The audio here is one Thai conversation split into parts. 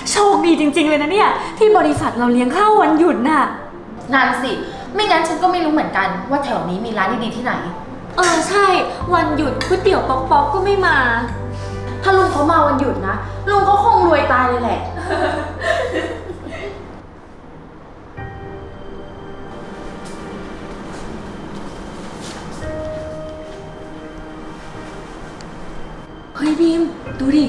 โชคดีจริงๆเลยนะเนี่ยที่บริษัทเราเลี้ยงข้าววันหยุดน่ะนั่นสิไม่งั้นฉันก็ไม่รู้เหมือนกันว่าแถวนี้มีร้านดีๆที่ไหนใช่วันหยุดก๋วยเตี๋ยวป๊อกๆก็ไม่มาถ้าลุงเขามาวันหยุดนะลุงเขาคงรวยตายเลยแหละเฮ้ยบีมดูดิ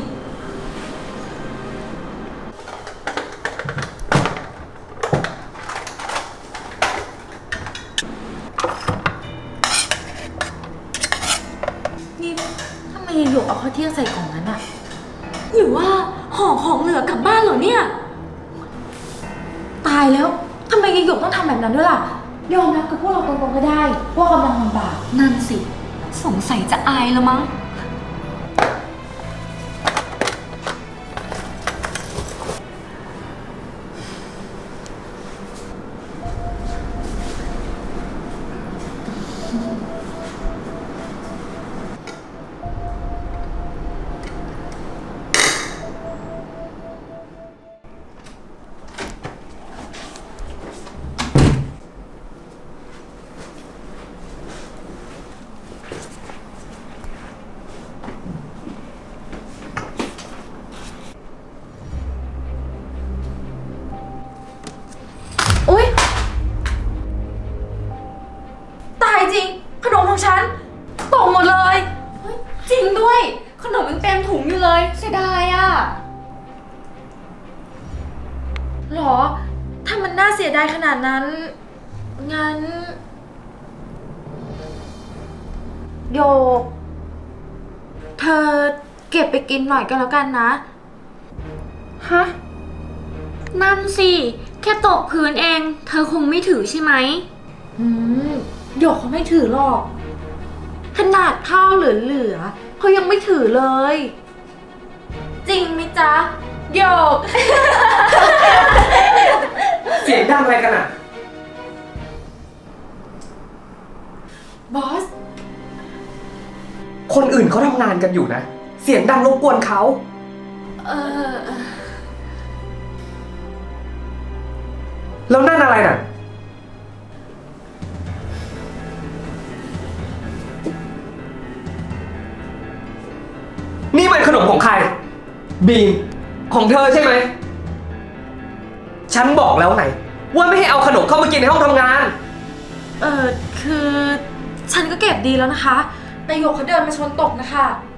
นี่ทำไมหยกเอาข้าวเที่ยงใส่ของนั้นอะหรือว่าห่อของเหลือกลับบ้านเหรอเนี่ยตายแล้วทำไมหยกต้องทำแบบนั้นด้วยล่ะยอมรับกับพวกเราตรงๆก็ได้ว่ากำลังลำบากนั่นสิสงสัยจะอายแล้วมั้งอุ๊ยตายจริงขนมของฉันตกหมดเลยจริงด้วยขนมยังเต็มถุงอยู่เลยเสียดายอ่ะหรอถ้ามันน่าเสียดายขนาดนั้นงั้นโยกเธอเก็บไปกินหน่อยก็แล้วกันนะฮะนั่นสิแค่ตกพื้นเองเธอคงไม่ถือใช่ไหมโยกเขาไม่ถือหรอกขนาดข้าวเหลือๆเขายังไม่ถือเลยจริงไหมจ๊ะโยกเสียงดังอะไรกันอ่ะบอสคนอื่นเขาทำงานกันอยู่นะเสียงดังรบกวนเขาแล้วนั่นอะไรน่ะนี่มันขนมของใครบีมของเธอใช่ไหมฉันบอกแล้วไงว่าไม่ให้เอาขนมเข้ามากินในห้องทำงานคือฉันก็เก็บดีแล้วนะคะแต่โยกเขาเดินมาชนตกนะคะ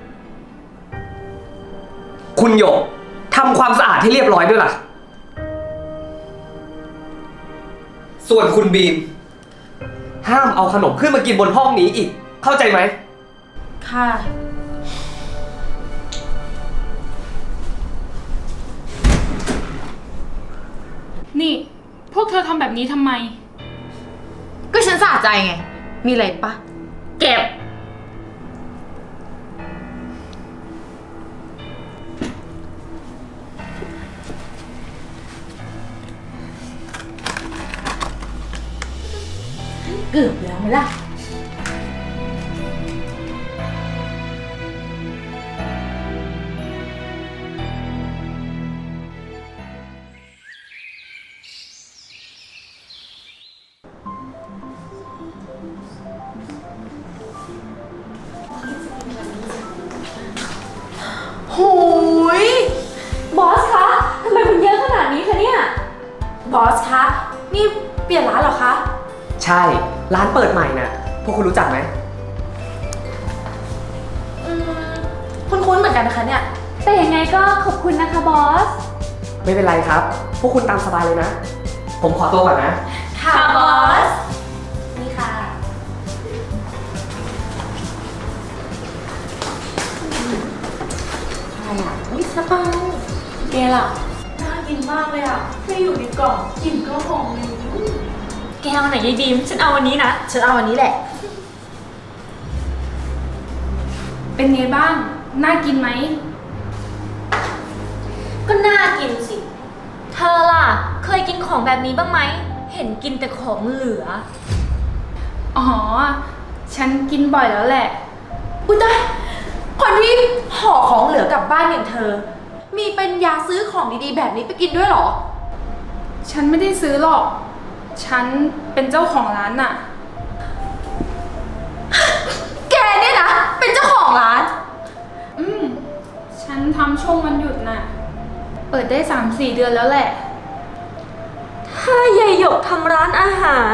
คุณหยกทำความสะอาดให้เรียบร้อยด้วยล่ะส่วนคุณบีมห้ามเอาขนมขึ้นมากินบนห้องนี้อีกเข้าใจไหมค่ะนี่พวกเธอทำแบบนี้ทำไมก็ฉันสะใจไงมีอะไรปะเก็บเกือบแล้วไหมล่ะโหยบอสคะทำไมมันเยอะขนาดนี้คะเนี่ยบอสคะนี่เปลี่ยนร้านเหรอคะใช่ร้านเปิดใหม่น่ะพวกคุณรู้จักไหมคุ้นๆเหมือนกันนะคะเนี่ยแต่ยังไงก็ขอบคุณนะคะบอสไม่เป็นไรครับพวกคุณตามสบายเลยนะผมขอตัวก่อนนะค่ะบอสนี่ค่ะอะไรอ่ะนี่ซาเปาแกล่ะน่ากินมากเลยอ่ะแค่อยู่ในกล่องกลิ่นก็หอมเลยแกเอาไหนยายบีมฉันเอาวันนี้นะฉันเอาอันนี้แหละเป็นไงบ้างน่ากินไหมก็น่ากินสิเธอล่ะเคยกินของแบบนี้บ้างไหมเห็นกินแต่ของเหลืออ๋อฉันกินบ่อยแล้วแหละอุ๊ยตายคนที่ห่อของเหลือกลับบ้านอย่างเธอมีปัญญาซื้อของดีๆแบบนี้ไปกินด้วยเหรอฉันไม่ได้ซื้อหรอก ฉันเป็นเจ้าของร้านน่ะแกเนี่ยนะ เป็นเจ้าของร้านอืม ฉันทำช่วงวันหยุดน่ะ เปิดได้ 3-4 เดือนแล้วแหละถ้ายายหยกทำร้านอาหาร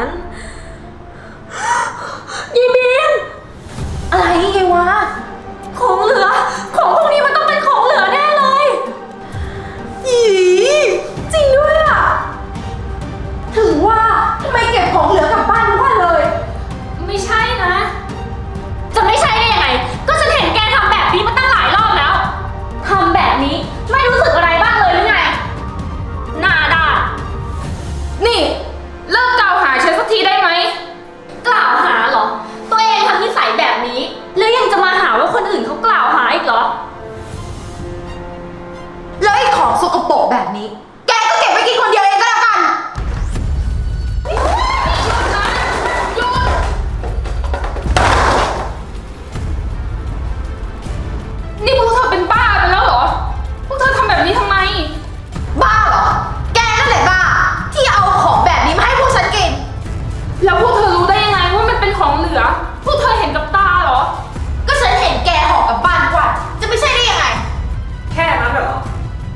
ยายบีมอะไรไงวะของเหลือ ของพวกนี้มันต้องเป็นของเหลือแน่เลยอีจริงด้วยอ่ะ ถึงว่าทำไมเก็บของเหลือกลับบ้านทุกวันเลยไม่ใช่นะจะไม่ใช่ได้ยังไง ก็ฉันเห็นแกทำแบบนี้มาตั้งหลายรอบแล้ว ทำแบบนี้ไม่รู้สึกอะไรบ้างเลยหรือไง หน้าด้านนี่เลิกกล่าวหาฉันสักทีได้ไหมกล่าวหาเหรอ ตัวเองทำนิสัยแบบนี้ แล้วยังจะมาหาว่าคนอื่นเขากล่าวหาอีกเหรอแล้วไอ้ของสกปรกแบบนี้ แกก็เก็บไว้กินคนเดียวเองก็แล้วกันนี่พวกเธอเป็นบ้าไปแล้วเหรอ พวกเธอทำแบบนี้ทำไมบ้าเหรอ แกนั่นแหละบ้า ที่เอาของแบบนี้มาให้พวกฉันกินแล้วพวกเธอรู้ได้ยังไงว่ามันเป็นของเหลือ พวกเธอเห็นกับตาเหรอก็ฉันเห็นแกห่อกลับบ้านทุกวันจะไม่ใช่ได้ยังไงแค่นั้นเหรอ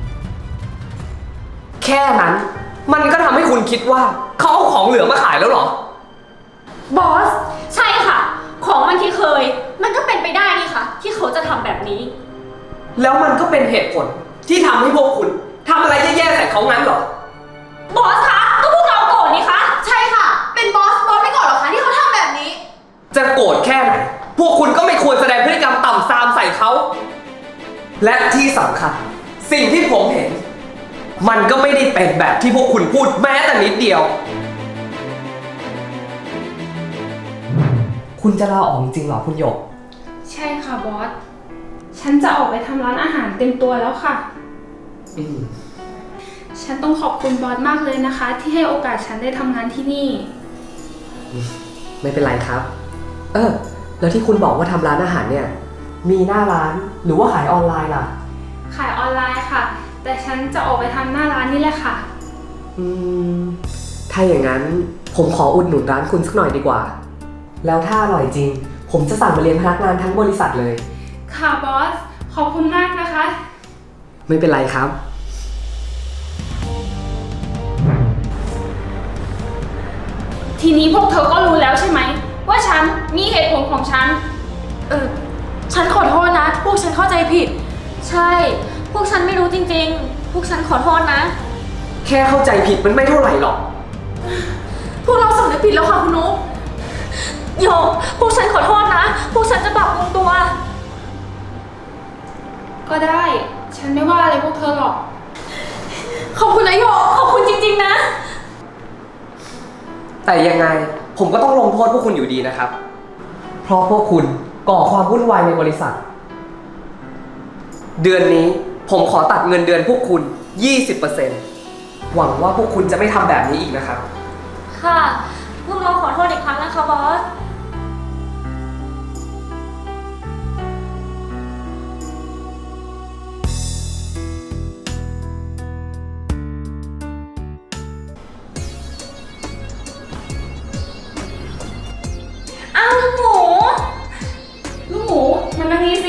แค่นั้น มันก็ทำให้คุณคิดว่าเขาเอาของเหลือมาขายแล้วเหรอบอสใช่ค่ะ ของมันที่เคย มันก็เป็นไปได้นี่ค่ะ ที่เขาจะทำแบบนี้แล้วมันก็เป็นเหตุผลที่ทำให้พวกคุณทำอะไรแย่ๆใส่เขางั้นเหรอบอสคะ ก็พวกเราโกรธนี่คะใช่ค่ะ เป็นบอสไม่ก่อนหรอคะที่เขาทำแบบนี้จะโกรธแค่ไหน พวกคุณก็ไม่ควรแสดงพฤติกรรมต่ำซามใส่เขา และที่สำคัญ สิ่งที่ผมเห็น มันก็ไม่ได้เป็นแบบที่พวกคุณพูดแม้แต่นิดเดียว คุณจะลาออกจริงเหรอคุณหยกใช่ค่ะบอส ฉันจะออกไปทำร้านอาหารเต็มตัวแล้วค่ะอืมฉันต้องขอบคุณบอสมากเลยนะคะ ที่ให้โอกาสฉันได้ทำงานที่นี่ไม่เป็นไรครับ แล้วที่คุณบอกว่าทำร้านอาหารเนี่ย มีหน้าร้านหรือว่าขายออนไลน์ล่ะขายออนไลน์ค่ะ แต่ฉันจะออกไปทำหน้าร้านนี่แหละค่ะถ้าอย่างนั้นผมขออุดหนุนร้านคุณสักหน่อยดีกว่า แล้วถ้าอร่อยจริง ผมจะสั่งมาเลี้ยงพนักงานทั้งบริษัทเลยค่ะบอส ขอบคุณมากนะคะไม่เป็นไรครับทีนี้พวกเธอก็รู้แล้วใช่ไหม ว่าฉันมีเหตุผลของฉันฉันขอโทษนะ พวกฉันเข้าใจผิดใช่ พวกฉันไม่รู้จริงๆ พวกฉันขอโทษนะแค่เข้าใจผิดมันไม่เท่าไหร่หรอกพวกเราสำนึกผิดแล้วค่ะคุณนุ๊กโยก พวกฉันขอโทษนะ พวกฉันจะปรับปรุงตัวก็ได้ ฉันไม่ว่าอะไรพวกเธอหรอกขอบคุณนะโยกขอบคุณจริงๆนะแต่ยังไงผมก็ต้องลงโทษพวกคุณอยู่ดีนะครับ เพราะพวกคุณก่อความวุ่นวายในบริษัท เดือนนี้ผมขอตัดเงินเดือนพวกคุณ 20%หวังว่าพวกคุณจะไม่ทำแบบนี้อีกนะครับค่ะ พวกเราขอโทษอีกครั้งนะคะบอส อ้าวลูกหมูลูกหมูมันนั่งนี่สิ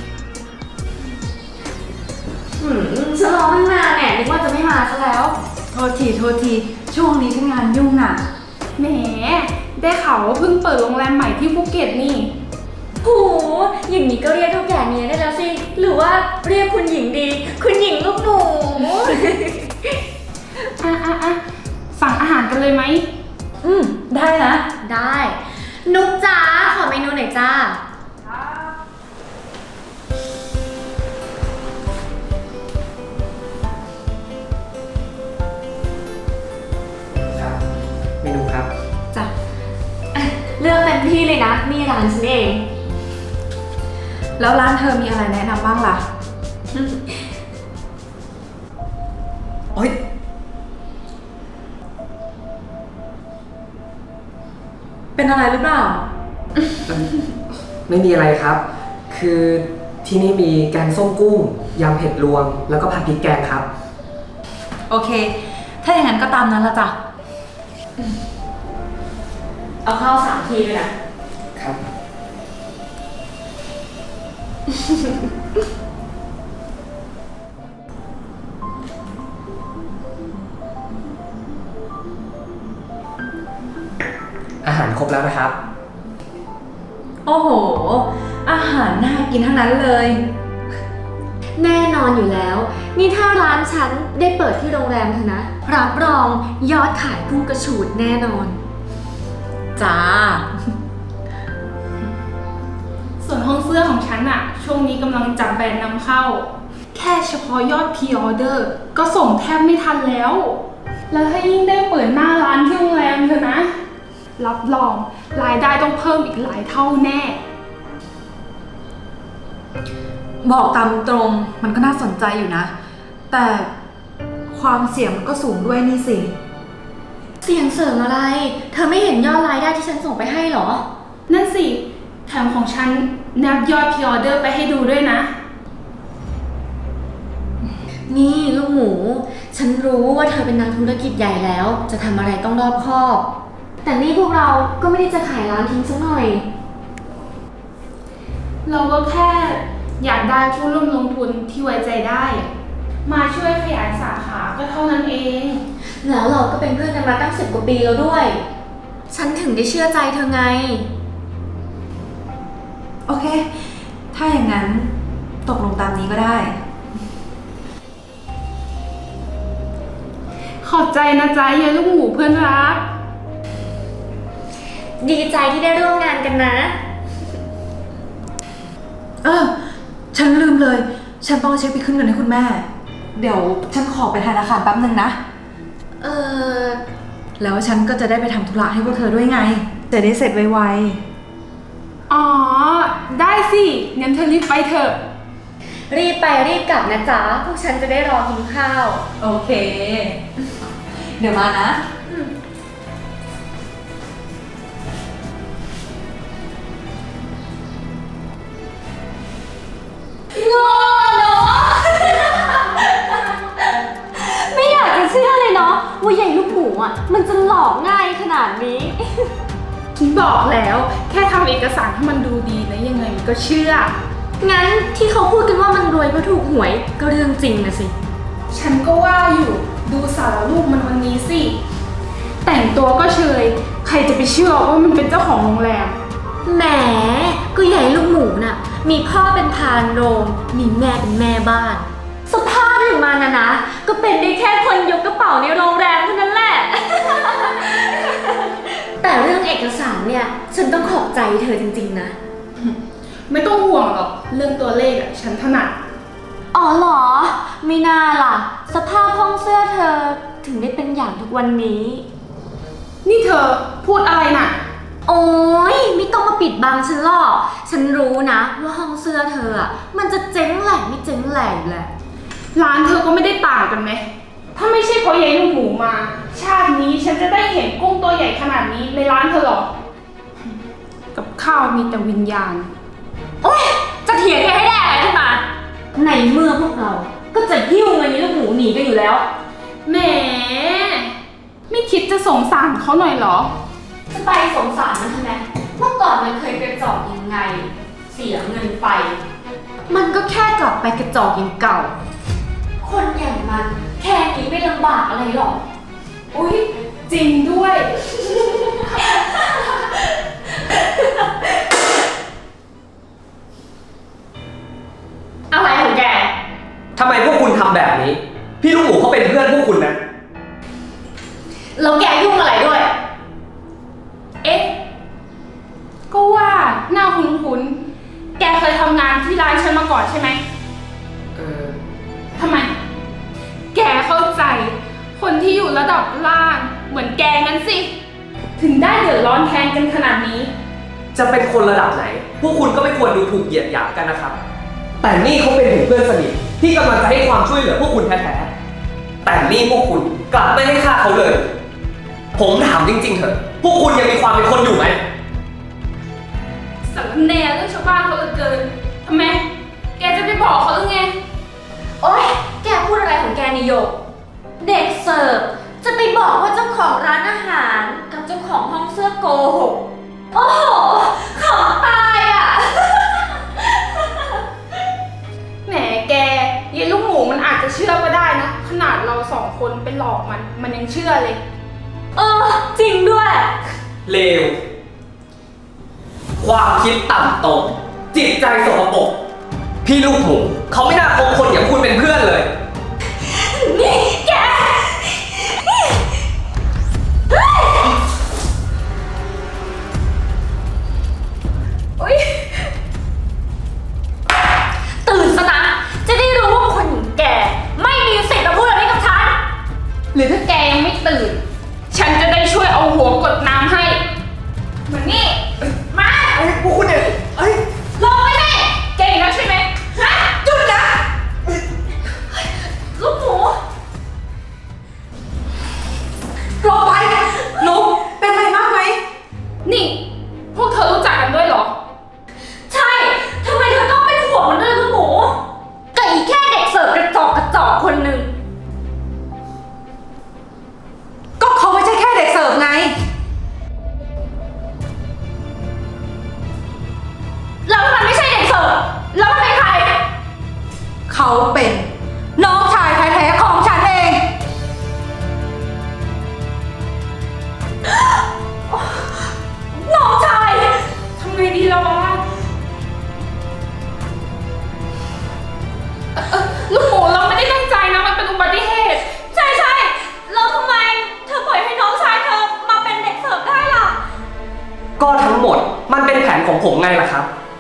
ฉันรอตั้งนานแน่นึกว่าจะไม่มาซะแล้วโทษที ช่วงนี้ฉันงานยุ่งอ่ะแหม ได้ข่าวว่าเพิ่งเปิดโรงแรมใหม่ที่ภูเก็ตนี่โห อย่างนี้ก็เรียกเท่าแก่เมียได้แล้วสิ หรือว่าเรียกคุณหญิงดี คุณหญิงลูกหนูอ่ะ สั่งอาหารกันเลยไหมได้นะได้ นุกจ้า ขอเมนูหน่อยจ้าเมนูครับจ้ะ เลือกเต็มที่เลยนะ นี่ร้านฉันเองแล้วร้านเธอมีอะไรแนะนำบ้างล่ะโอ๊ยเป็นอะไรหรือเปล่าไม่มีอะไรครับ คือที่นี่มีแกงส้มกุ้งยำเผ็ดรวม แล้วก็ผัดพริกแกงครับโอเค ถ้าอย่างนั้นก็ตามนั้นละจ้ะเอาข้าว3 ทีด้วยนะครับ อาหารครบแล้วนะครับโอ้โห อาหารน่ากินทั้งนั้นเลยแน่นอนอยู่แล้ว นี่ถ้าร้านฉันได้เปิดที่โรงแรมเถอะนะ รับรองยอดขายพุ่งกระฉูดแน่นอนจ้าส่วนห้องเสื้อของฉันอะช่วงนี้กำลังจับแบรนด์นำเข้า แค่เฉพาะยอดพรีออเดอร์ก็ส่งแทบไม่ทันแล้ว แล้วถ้ายิ่งได้เปิดหน้าร้านที่โรงแรมเถอะนะ รับรองรายได้ต้องเพิ่มอีกหลายเท่าแน่บอกตามตรงมันก็น่าสนใจอยู่นะ แต่ความเสี่ยงมันก็สูงด้วยนี่สิเสียงเสริมอะไร เธอไม่เห็นยอดรายได้ที่ฉันส่งไปให้เหรอนั่นสิ แถมของฉันนับยอดพรีออเดอร์ไปให้ดูด้วยนะนี่ลูกหมู ฉันรู้ว่าเธอเป็นนักธุรกิจใหญ่แล้ว จะทำอะไรต้องรอบคอบ แต่นี่พวกเราก็ไม่ได้จะขายร้านทิ้งสักหน่อยเราก็แค่อยากได้ผู้ร่วมลงทุนที่ไว้ใจได้ มาช่วยขยายสาขาก็เท่านั้นเองแล้วเราก็เป็นเพื่อนกันมาตั้ง10 กว่าปีแล้วด้วย ฉันถึงได้เชื่อใจเธอไงโอเค ถ้าอย่างนั้นตกลงตามนี้ก็ได้ขอบใจนะจ๊ะยายลูกหมูเพื่อนรักดีใจที่ได้ร่วมงานกันนะฉันลืมเลย ฉันต้องเช็คไปขึ้นเงินให้คุณแม่ เดี๋ยวฉันขอไปธนาคารแป๊บนึงนะเออแล้วฉันก็จะได้ไปทำธุระให้พวกเธอด้วยไง จะได้เสร็จไวอ๋อ ได้สิงั้นเธอรีบไปเถอะรีบไปรีบกลับนะจ๊ะ พวกฉันจะได้รอกินข้าวๆ โอเค เดี๋ยวมานะโง่เนาะ ไม่อยากจะเชื่อเลยเนาะว่าใหญ่ลูกหมูอ่ะ มันจะหลอกง่ายขนาดนี้ฉันบอกแล้วแค่ทำเอกสารให้มันดูดีนะยังไงมันก็เชื่องั้นที่เขาพูดกันว่ามันรวยเพราะถูกหวยก็เรื่องจริงนะสิฉันก็ว่าอยู่ดูสารรูปมันวันนี้สิ แต่งตัวก็เชย ใครจะไปเชื่อว่ามันเป็นเจ้าของโรงแรมแหม ก็ใหญ่ลูกหมูน่ะ มีพ่อเป็นพานโรง มีแม่เป็นแม่บ้าน สภาพอย่างมันนะ ก็เป็นได้แค่คนยกกระเป๋าในโรงแรมเท่านั้นแหละ แต่เรื่องเอกสารเนี่ย ฉันต้องขอบใจเธอจริงๆนะไม่ต้องห่วงหรอกเรื่องตัวเลขอะฉันถนัดอ๋อเหรอ ไม่น่าล่ะ สภาพห้องเสื้อเธอถึงได้เป็นอย่างทุกวันนี้นี่เธอพูดอะไรน่ะโอ๊ยไม่ต้องมาปิดบังฉันหรอก ฉันรู้นะว่าห้องเสื้อเธออะมันจะเจ๊งแหล่ไม่เจ๊งแหล่อยู่แหละร้านเธอก็ไม่ได้ต่างกันไหม ถ้าไม่ใช่เพราะยายลูกหมูมา ชาตินี้ฉันจะได้เห็นกุ้งตัวใหญ่ขนาดนี้ในร้านเธอหรอ กับข้าวมีแต่วิญญาณโอ๊ย จะเถียงแกให้ได้อะไรขึ้นมา ในเมื่อพวกเรา ก็จะหิ้วเงินนี้ลูกหมูหนีกันอยู่แล้วแหม ไม่คิดจะสงสารเขาหน่อยเหรอจะไปสงสารมันทำไม เมื่อก่อนมันเคยกระจอกยังไง เสียเงินไป มันก็แค่กลับไปกระจอกอย่างเก่า คนอย่างมันแค่นี้ไม่ลำบากอะไรหรอกอุ๊ย จริงด้วยอะไรของแกทำไมพวกคุณทำแบบนี้ พี่ลูกหมูเขาเป็นเพื่อนพวกคุณนะแล้วแกยุ่งอะไรด้วยเอ๊ะ ก็ว่าหน้าคุ้นๆ แกเคยทำงานที่ร้านฉันมาก่อนใช่ไหม ทำไม แกเข้าใจ คนที่อยู่ระดับล่าง เหมือนแกงั้นสิ ถึงได้เดือดร้อนแทนกันขนาดนี้จะเป็นคนระดับไหน พวกคุณก็ไม่ควรดูถูกเหยียดหยามกันนะครับ แต่นี่เขาเป็นถึงเพื่อนสนิทที่กำลังจะให้ความช่วยเหลือพวกคุณแท้ๆ แต่นี่พวกคุณกลับไม่ให้ค่าเขาเลย ผมถามจริงๆเถอะ พวกคุณยังมีความเป็นคนอยู่ไหมสารแหน่เรื่องชาวบ้านเขาเหลือเกิน ทำไม แกจะไปบอกเขาหรือไงผโอ๊ย แกพูดอะไรของแกนิโยก เด็กเสิร์ฟจะไปบอกว่าเจ้าของร้านอาหารกับเจ้าของห้องเสื้อโกหก โอ้โหขำตายอ่ะแหมแกยายลูกหมูมันอาจจะเชื่อก็ได้นะ ขนาดเราสองคนไปหลอกมันยังเชื่อเลยเออ จริงด้วยเลว ความคิดต่ำตมจิตใจสกปรกพี่ลูกหมูเขาไม่น่าคบคนอย่างคุณเป็นเพื่อนเลยนี่แก อุ๊ย ตื่นซะนะ จะได้รู้ว่าคนอย่างแก ไม่มีสิทธิ์มาพูดอะไรกับฉันหรือถ้าแกยังไม่ตื่น ฉันจะได้ช่วยเอาหัวกดน้ำให้เหมือนนี่ มาพวกคุณเนี่ยลงไปสิแกอีกแล้วใช่ไหมฮะหยุดนะ ลูกหมูลงไปลุกเป็นไรมากไหมนี่ พวกเธอรู้จักกันด้วยเหรอใช่ ทำไมเธอต้องเป็นห่วงมันด้วยลูกหมูก็อีแค่เด็กเสิร์ฟกระจอกคนหนึ่งก็เขาไม่ใช่แค่เด็กเสิร์ฟไงแล้วมันไม่ใช่เด็กเสิร์ฟแล้วมันเป็นใครเขาเป็นน้องชายแท้ๆของฉันเองน้องชายทำไงดีล่ะวะลูกหมูเราไม่ได้ตั้งใจนะ มันเป็นอุบัติเหตุใช่ใช่แล้วทำไมเธอปล่อยให้น้องชายเธอมาเป็นเด็กเสิร์ฟได้ล่ะก็ทั้งหมดมันเป็นแผนของผมไงล่ะครับ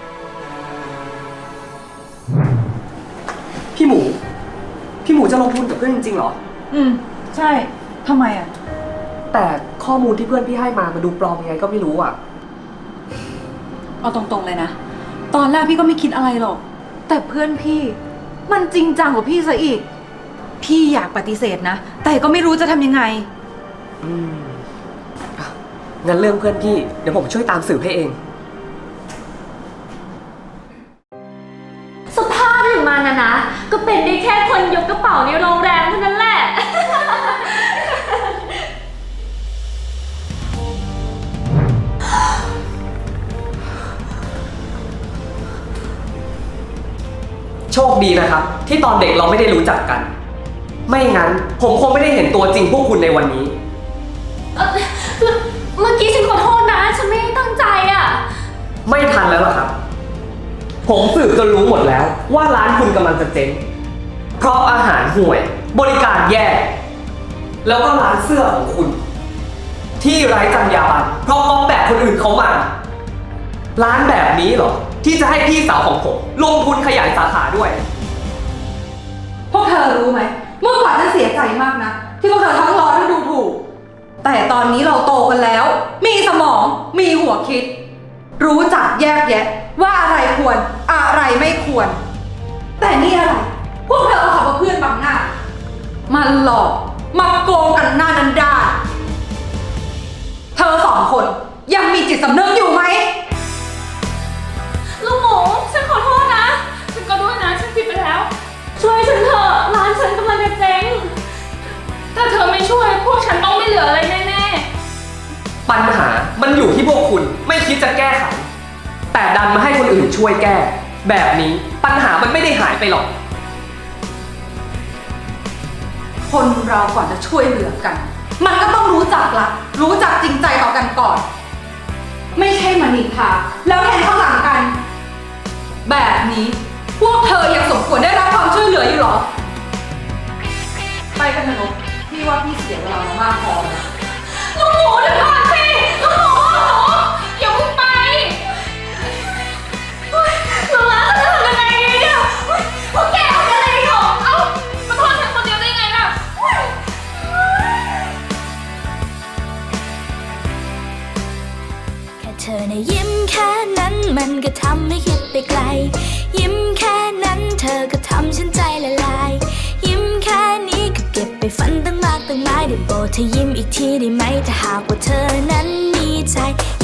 พี่หมูจะลงทุนกับเพื่อนจริงๆเหรอใช่ทำไมอ่ะแต่ข้อมูลที่เพื่อนพี่ให้มามันดูปลอมยังไงก็ไม่รู้อ่ะเอาตรงๆเลยนะ ตอนแรกพี่ก็ไม่คิดอะไรหรอก แต่เพื่อนพี่ มันจริงจังกว่าพี่ซะอีก พี่อยากปฏิเสธนะ แต่ก็ไม่รู้จะทำยังไงอ่ะงั้นเรื่องเพื่อนพี่เดี๋ยวผมช่วยตามสืบให้เองสภาพอย่างมันนะ ก็เป็นได้แค่คนยกกระเป๋าในโรงแรมเท่านั้นแหละโชคดีนะครับ ที่ตอนเด็กเราไม่ได้รู้จักกัน ไม่งั้นผมคงไม่ได้เห็นตัวจริงพวกคุณในวันนี้เมื่อกี้ฉันขอโทษนะ ฉันไม่ได้ตั้งใจอ่ะไม่ทันแล้วล่ะครับ ผมสืบจนรู้หมดแล้วว่าร้านคุณกำลังจะเจ๊ง เพราะอาหารห่วย บริการแย่ แล้วก็ร้านเสื้อของคุณ ที่ไร้จรรยาบรรณเพราะก๊อปแบบคนอื่นเขามา ร้านแบบนี้เหรอ ที่จะให้พี่สาวของผมลงทุนขยายสาขาด้วยพวกเธอรู้ไหม เมื่อก่อนฉันเสียใจมากนะ ที่พวกเธอทั้งร้อนทั้งดูถูก แต่ตอนนี้เราโตกันแล้ว มีสมอง มีหัวคิด รู้จักแยกแยะ ว่าอะไรควร อะไรไม่ควร แต่นี่อะไร พวกเธอเอาขับมาเพื่อนบังหน้า มันหลอก มาโกงกันหน้าดันดานเธอสองคนยังมีจิตสำนึกอยู่ไหมลูกหมู ฉันขอโทษนะฉันก็ด้วยนะ ฉันผิดไปแล้วช่วยฉันเถอะ ร้านฉันกำลังจะเจ๊งถ้าเธอไม่ช่วยพวกฉันต้องไม่เหลืออะไรแน่ปัญหามันอยู่ที่พวกคุณไม่คิดจะแก้ไข แต่ดันมาให้คนอื่นช่วยแก้ แบบนี้ปัญหามันไม่ได้หายไปหรอกคนเราก่อนจะช่วยเหลือกัน มันก็ต้องรู้จักรักรู้จักจริงใจต่อกันก่อน ไม่ใช่มานินทาแล้วแทนข้างหลังกัน แบบนี้พวกเธอยังสมควรได้รับความช่วยเหลืออยู่เหรอ ไปกันเถอะนกพี่ว่าพี่เสียเวลามามากพอแล้วลูกหมูเดี๋ยวก่อนสิ ลูกหมูๆอย่าเพิ่งไปลูกหลานจะทำยังไงดีเนี่ยพวกแกทำยังไงหรอเอ้ามาโทษฉันคนเดียวได้ไงล่ะแค่เธอนะยิ้มแค่นั้นมันก็ทำให้คิดไปไกล ยิ้มแค่นั้นเธอก็ทำฉันใจละลาย ยิ้มแค่นี้ก็เก็บไปฝันตั้งมากตั้งหลายได้โปรดเธอยิ้มอีกทีได้ไหมถ้าหากว่าเธอนั้นมีใจ